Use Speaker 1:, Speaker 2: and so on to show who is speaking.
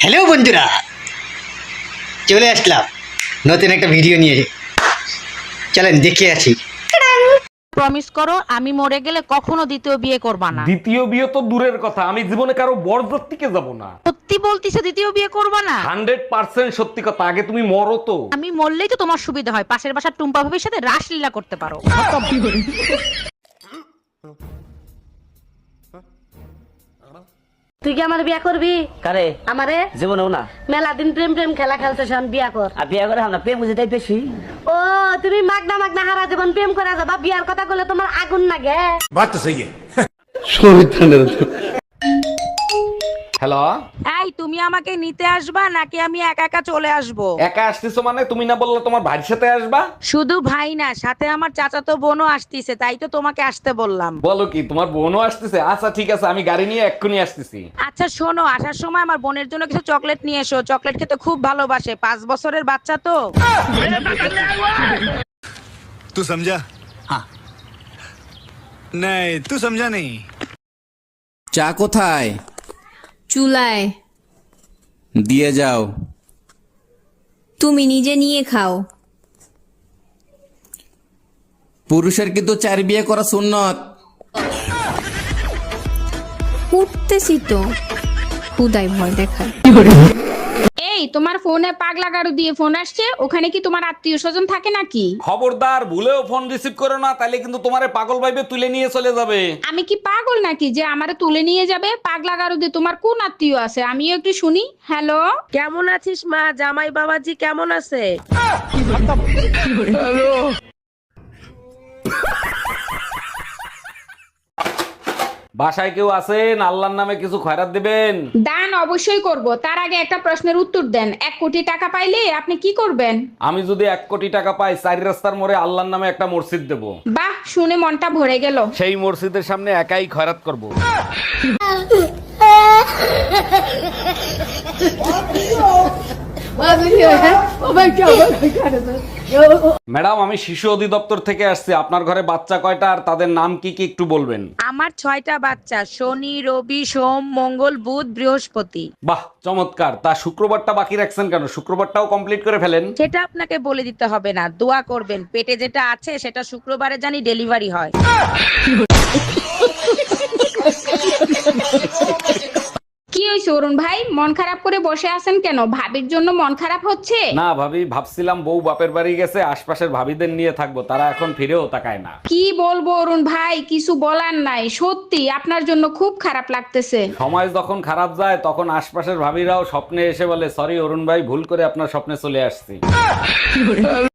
Speaker 1: Hello বন্ধুরা, চলে আসলাম নতুন একটা ভিডিও নিয়ে। চলেন দেখে আসি।
Speaker 2: প্রমিস করো আমি মরে গেলে কখনো দ্বিতীয় বিয়ে করবা না।
Speaker 3: দ্বিতীয় বিয়ে তো দূরের কথা, আমি জীবনে কারো বরযাত্রীকে যাব না।
Speaker 2: সত্যি বলতিছো দ্বিতীয় বিয়ে করবা না?
Speaker 3: 100% সত্যি কথা। আগে তুমি মরো তো।
Speaker 2: আমি মরলেই তো তোমার সুবিধা হয়, পাশের বাসার টুম্পা ভাবির সাথে রাসলীলা করতে পারো।
Speaker 4: তুই কি আমার বিয়া করবি?
Speaker 5: কারে?
Speaker 4: আমারে
Speaker 5: জীবনেও না।
Speaker 4: মেলা দিন প্রেম প্রেম খেলা খেলতেছ, বিয়া কর।
Speaker 5: আর বিয়ে করে আমরা প্রেম বুঝে তাই বেশি।
Speaker 4: ও তুমি মাগনা মাগনা হারা জীবন প্রেম করে যাবা, বিয়ার কথা বলে তোমার আগুন লাগে।
Speaker 3: হ্যালো,
Speaker 2: এই তুমি আমাকে নিতে আসবা নাকি আমি একা একা চলে আসবো?
Speaker 3: একা আসতেছো মানে? তুমি না বললে তোমার ভাইয়ের সাথে আসবা?
Speaker 2: শুধু ভাই না, সাথে আমার চাচাতো বোনও আসতিছে, তাই তো তোমাকে আসতে বললাম।
Speaker 3: বলো কি, তোমার বোনও আসতেছে? আচ্ছা ঠিক আছে, আমি গাড়ি নিয়ে এক্ষুনি আসতেছি।
Speaker 2: আচ্ছা শোনো, আসার সময় আমার বোনের জন্য কিছু চকলেট নিয়ে এসো, চকলেট খেতে খুব ভালোবাসে, 5 বছরের বাচ্চা তো।
Speaker 6: तू समझा? हाँ। नहीं, तू समझा नहीं।
Speaker 7: চা কোথায়?
Speaker 8: চুলায়।
Speaker 7: দিয়ে যাও।
Speaker 8: তুমি নিজে নিয়ে খাও।
Speaker 7: পুরুষের কিন্তু 4 বিয়ে করা সুন্নত।
Speaker 8: উঠতেছি তো, খুদাই ভয় দেখায়।
Speaker 9: এই তোমার ফোনে পাগলা গাড়ু দিয়ে ফোন আসছে, ওখানে কি তোমার আত্মীয় স্বজন থাকে নাকি?
Speaker 3: খবরদার, ভুলেও ফোন রিসিভ করো না, তাহলে কিন্তু তোমারে পাগল ভাইবে তুলে নিয়ে চলে যাবে।
Speaker 9: আমি কি পাগল নাকি যে আমারে তুলে নিয়ে যাবে? পাগলা গাড়ু দিয়ে তোমার কোন আত্মীয় আছে আমিও একটু শুনি। হ্যালো,
Speaker 2: কেমন আছিস মা? জামাই বাবাজি কেমন আছে?
Speaker 3: বাসায় কেউ আছেন? আল্লাহর নামে কিছু খয়রাত দিবেন।
Speaker 9: দান অবশ্যই করব, তার আগে একটা প্রশ্নের উত্তর দেন। 1 কোটি টাকা পাইলে আপনি কি করবেন?
Speaker 3: আমি যদি 1 কোটি টাকা পাই, 4 রাস্তার মোড়ে আল্লাহর নামে একটা মসজিদ দেব।
Speaker 9: বাহ, শুনে মনটা ভরে গেল।
Speaker 3: সেই মসজিদের সামনে একাই খয়রাত করব। ম্যাডাম, আমি শিশু অধিদপ্তর থেকে আসছি। আপনার ঘরে বাচ্চা কয়টা আর তাদের নাম কি কি একটু বলবেন?
Speaker 2: আমার 6টা বাচ্চা, শনি রবি সোম মঙ্গল বুধ বৃহস্পতি।
Speaker 3: বাহ, চমৎকার। তা শুক্রবারটা বাকি রাখছেন কেন? শুক্রবারটাও কমপ্লিট করে ফেলেন।
Speaker 2: সেটা আপনাকে বলে দিতে হবে না, দোয়া করবেন পেটে যেটা আছে সেটা শুক্রবারে জানি ডেলিভারি হয়।
Speaker 9: কি হয়েছে অরুণ ভাই, মন খারাপ করে বসে আছেন কেন? ভাবির জন্য মন খারাপ হচ্ছে?
Speaker 3: না ভাবি, ভাবছিলাম বউ বাপের বাড়ি গেছে, আশপাশের ভাবিদের নিয়ে থাকবো, তারা এখন ফিরেও তাকায় না।
Speaker 9: কি বলবো অরুণ ভাই, কিছু বলার নাই, সত্যি আপনার জন্য খুব খারাপ লাগতেছে।
Speaker 3: সময় যখন খারাপ যায় তখন আশপাশের ভাবিরাও স্বপ্নে এসে বলে, সরি অরুণ ভাই, ভুল করে আপনার স্বপ্নে চলে আসছি।